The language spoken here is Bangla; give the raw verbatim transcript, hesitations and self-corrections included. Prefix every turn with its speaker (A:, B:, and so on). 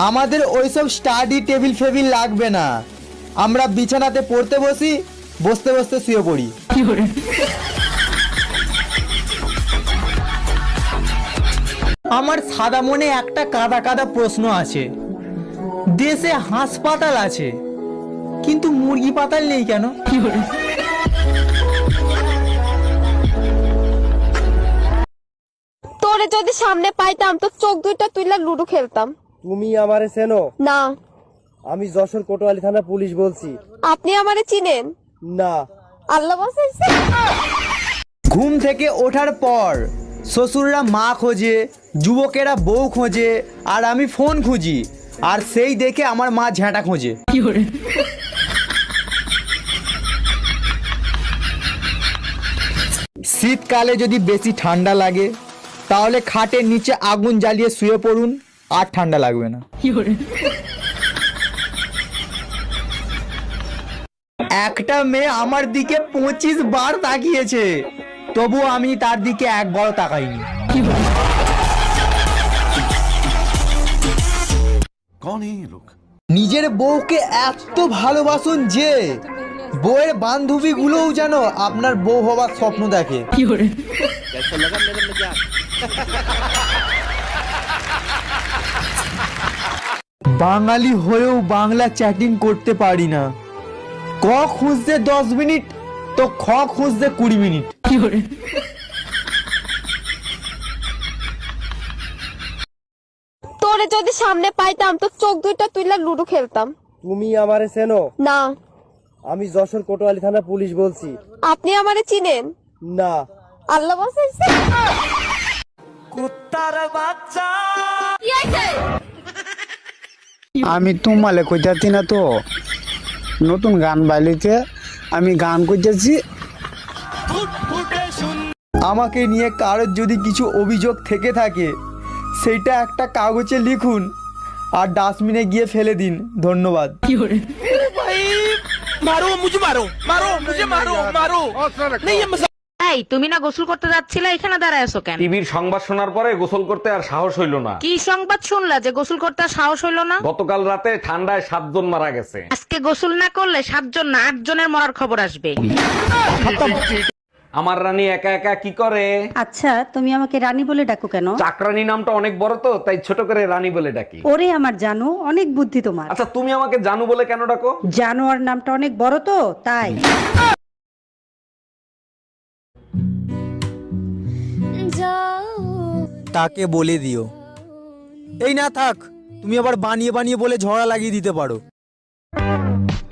A: আমাদের ওইসব স্টাডি টেবিল ফেবিল লাগবে না, আমরা বিছানাতে পড়তে বসি, বসতে বসতে শুয়ে পড়ি। আমার সাদা মনে একটা কাদা কাদা প্রশ্ন আছে, দেশে হাসপাতাল আছে কিন্তু মুরগি পাতাল নেই কেন?
B: তোরে যদি সামনে পাইতাম তো চোখ দুইটা তুইলা লুডো খেলতাম।
C: তুমি আমারে চেনো?
B: না।
C: আমি যশোর কোতোয়ালি থানা পুলিশ বলছি।
B: আপনি আমারে চিনেন?
C: না।
B: আল্লাহ বাঁচাইছে।
A: ঘুম থেকে ওঠার পর শ্বশুররা মা খোঁজে, যুবকেরা বউ খোঁজে, আর আমি ফোন খুঁজি, আর সেই দেখে আমার মা ঝ্যাঁটা খোঁজে। শীতকালে যদি বেশি ঠান্ডা লাগে তাহলে খাটের নিচে আগুন জ্বালিয়ে শুয়ে পড়ুন, আর ঠান্ডা লাগবে না। একটা মেয়ে আমার দিকে পঁচিশ বার তাকিয়েছে, তবু আমি তার দিকে একবারও তাকাইনি। নিজের বউকে এত ভালোবাসুন যে বউয়ের বান্ধবী গুলোও যেন আপনার বউ হবার স্বপ্ন দেখে। বাঙালি হয়েও বাংলা চ্যাটিং করতে পারি না। ক খুঁজতে দশ মিনিট তো খ খুঁজতে কুড়ি মিনিট।
B: তোরে যদি সামনে পাইতাম তো চোখ দুইটা তুইলা লুডো খেলতাম।
C: তুমি আমারে চেনো?
B: না।
C: আমি যশোর কোতোয়ালি থানা পুলিশ বলছি।
B: আপনি আমারে চিনেন?
C: না।
B: আল্লাহ বাঁচাইছে।
A: কুত্তার বাচ্চা।
D: আমি তোমালে কইতাছি না তো, নতুন গান বাইলিতে আমি গান করতেছি।
A: আমাকে নিয়ে কারোর যদি কিছু অভিযোগ থেকে থাকে সেটা একটা কাগজে লিখুন আর ডাস্টবিনে গিয়ে ফেলে দিন। ধন্যবাদ।
E: এই তুমি না গোসল করতে যাচ্ছিলে, এখানে দাঁড়ায় আছো কেন?
F: টিভির সংবাদ শোনার পরে গোসল করতে আর সাহস হইল না।
E: কি সংবাদ শুনলা যে গোসল করতে আর সাহস হইলো না?
F: গতকাল রাতে ঠান্ডায় সাতজন মারা গেছে।
E: আজকে গোসল না করলে সাতজন না আট জনের মরার খবর আসবে।
F: আমার রানী একা একা কি করে?
G: আচ্ছা, তুমি আমাকে রানী বলে ডাকো কেন?
F: চাকরানী নামটা অনেক বড় তো, তাই ছোট করে রানী বলে ডাকি।
G: ওরে আমার জানো, অনেক বুদ্ধি তোমার।
F: আচ্ছা, তুমি আমাকে জানু বলে কেন ডাকো?
G: জানোয়ার নামটা অনেক বড় তো, তাই।
A: তাকে বলে দিও। এই না থাক, তুমি আবার বানিয়ে বানিয়ে বলে ঝগড়া লাগিয়ে দিতে পারো।